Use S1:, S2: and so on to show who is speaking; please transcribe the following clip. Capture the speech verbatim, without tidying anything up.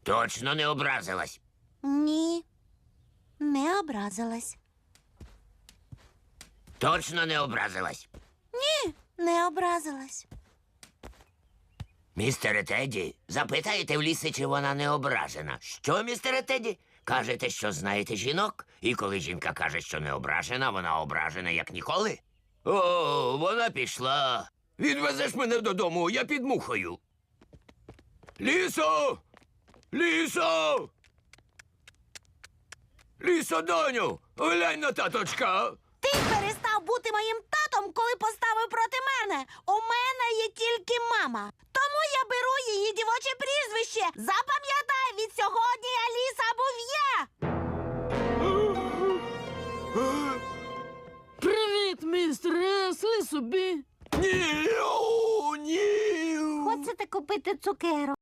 S1: Точно не образилась?
S2: Ні, не образилась.
S1: Точно не образилась?
S2: Ні, не образилась.
S1: Містере Тедді, запитаєте в лісі, чи вона не ображена. Що, містере Тедді? Кажете, що знаєте жінок? І коли жінка каже, що не ображена, вона ображена, як ніколи? О, вона пішла. Відвезеш мене додому, я під мухою. Лісо! Лісо! Лісо, доню, глянь на таточка.
S2: Ти перестав бути моїм татом, коли поставив проти мене. У мене є тільки мама. Тому я беру її дівоче прізвище. Запам'ятай, від сьогодні Аліса Був'є.
S3: Привіт, містер Еслі собі.
S1: Ні, о, ні.
S2: Хочете купити цукерок?